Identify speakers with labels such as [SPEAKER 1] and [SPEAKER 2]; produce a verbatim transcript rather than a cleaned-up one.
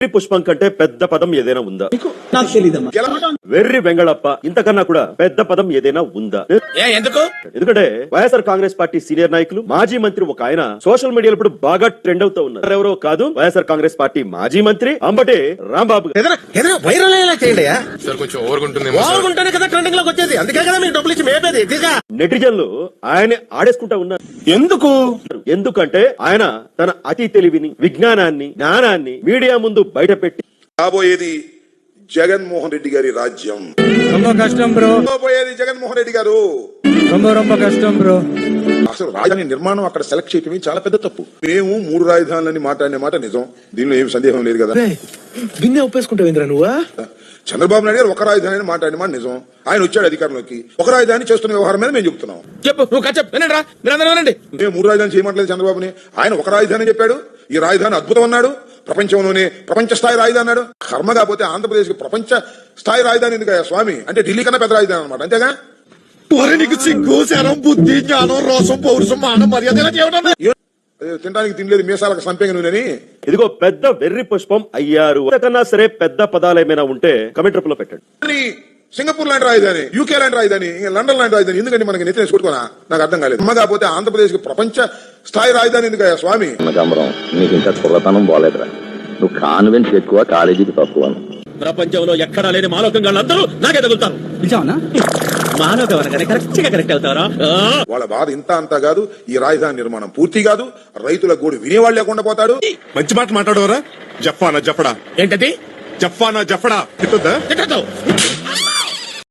[SPEAKER 1] పుష్పం కంటే పెద్ద పదం ఏదైనా ఉందా?
[SPEAKER 2] నాకు తెలీదమ్మా.
[SPEAKER 1] వెర్రి వెంగళప్ప ఇంతకన్నా కూడా పెద్ద పదం ఏదైనా ఉందా?
[SPEAKER 3] ఎందుకు?
[SPEAKER 1] ఎందుకంటే వైఎస్ఆర్ కాంగ్రెస్ పార్టీ సీనియర్ నాయకులు మాజీ మంత్రి ఒక ఆయన సోషల్ మీడియాలో ఇప్పుడు బాగా ట్రెండ్ అవుతూ ఉన్నారు. ఎవరో కాదు, వైఎస్ఆర్ కాంగ్రెస్ పార్టీ మాజీ మంత్రి అంబటి రాంబాబు.
[SPEAKER 3] వైరల్ అయ్యేలా చేయండి.
[SPEAKER 4] కొంచెం ఓవర్గుంటుంది
[SPEAKER 3] ఓవర్గుంటేనే కదా ట్రెండింగ్ లోకి వచ్చేది. అందుకే కదా మీకు డబ్బులు ఇచ్చి మేపేది.
[SPEAKER 1] నెటిజన్లు ఆయన ఆడేసుకుంటా ఉన్నారు.
[SPEAKER 3] ఎందుకు?
[SPEAKER 1] ఎందుకంటే ఆయన తన అతి తెలివిని, విజ్ఞానాన్ని, జ్ఞానాన్ని మీడియా ముందు బయట పెట్టి
[SPEAKER 5] రాబోయేది జగన్మోహన్ రెడ్డి గారి రాజ్యం.
[SPEAKER 6] ரொம்ப కష్టం బ్రో.
[SPEAKER 5] రాబోయేది జగన్మోహన్ రెడ్డి గారు.
[SPEAKER 6] ரொம்ப ரொம்ப కష్టం బ్రో.
[SPEAKER 5] అసలు రాజధాని నిర్మాణం అక్కడ సెలెక్ట్ చేయటమే చాలా పెద్ద తప్పు. మేము మూడు రాజధానులని మాట్లాడిన మాట నిజం, దీనిలో ఏం సందేహం లేదు కదా.
[SPEAKER 3] బిన్నే ఒప్పేసుకుంటావు నువ్వా?
[SPEAKER 5] చంద్రబాబు నాయుడు గారు ఒక రాజధాని మాట్లాడిన మాట నిజం. ఆయన వచ్చాడు అధికారంలోకి, ఒక రాజధాని చేస్తున్న వ్యవహారం మీద మేము చెప్తున్నాం.
[SPEAKER 3] చెప్పు, నువ్వు చెప్పు. వినండి రా, మీరందరూ వినండి.
[SPEAKER 5] మేము మూడు రాజధాని చేయమంటలేదు చంద్రబాబుని. ఆయన ఒక రాజధాని చెప్పాడు. ఈ రాజధాని అద్భుతం అన్నాడు. ప్రపంచంలోనే ప్రపంచ స్థాయి రాజధాని అన్నాడు. కర్మ కాకపోతే ఆంధ్రప్రదేశ్ కి ప్రపంచ స్థాయి రాజధాని ఎందుకయ్యా స్వామి? అంటే ఢిల్లీ కన్నా పెద్ద రాజధాని అనమాట, అంతేగా?
[SPEAKER 3] నీకు సిగ్గు, శరం, బుద్ధి, జ్ఞానం, రోసం, పౌరుషం, మానం, మర్యాద
[SPEAKER 5] తినడానికి తినలేదు మీసాలకు సంపంగి నూనెని.
[SPEAKER 1] ఇదిగో పెద్ద వెర్రి పుష్పం అయ్యారు. అంతకన్నా సరే పెద్ద పదాలు ఏమైనా ఉంటే కమెంట్ రూపంలో పెట్టండి.
[SPEAKER 5] సింగపూర్ లాంటి రాజధాని, యూకే లాంటి రాజధాని, లండన్ లాంటి రాజధాని ఎందుకంటే మనకి నెత్తిన కొట్టుకోనా? నాకు అర్థం కాలేదు. అమ్మ కాకపోతే ఆంధ్రప్రదేశ్ కి ప్రపంచ స్థాయి రాజధాని ఎందుకయ్యా స్వామి?
[SPEAKER 7] నీకు ఇంకా కుర్రతనం బాలేదురా. నువ్వు కాన్వెంట్ ఎక్కువ, కాలేజీకి తక్కువ.
[SPEAKER 3] ప్రపంచంలో ఎక్కడా లేని మాలోకం అందరూ నాకే తగులుతారు.
[SPEAKER 6] నిజానా?
[SPEAKER 3] మాలోకం అనగానే కరెక్ట్ గా కరెక్ట్ అవుతారా?
[SPEAKER 5] వాళ్ళ బాధ ఇంత అంతా కాదు. ఈ రాజధాని నిర్మాణం పూర్తి కాదు. రైతుల గోడు వినేవాళ్ళు లేకుండా పోతాడు.
[SPEAKER 4] మంచి మాట మాట్లాడవరా? జఫానా జఫడా
[SPEAKER 3] ఏంటది?
[SPEAKER 4] జఫానా జఫడా తిట్టొద్దా?
[SPEAKER 3] తిట్టొద్దు.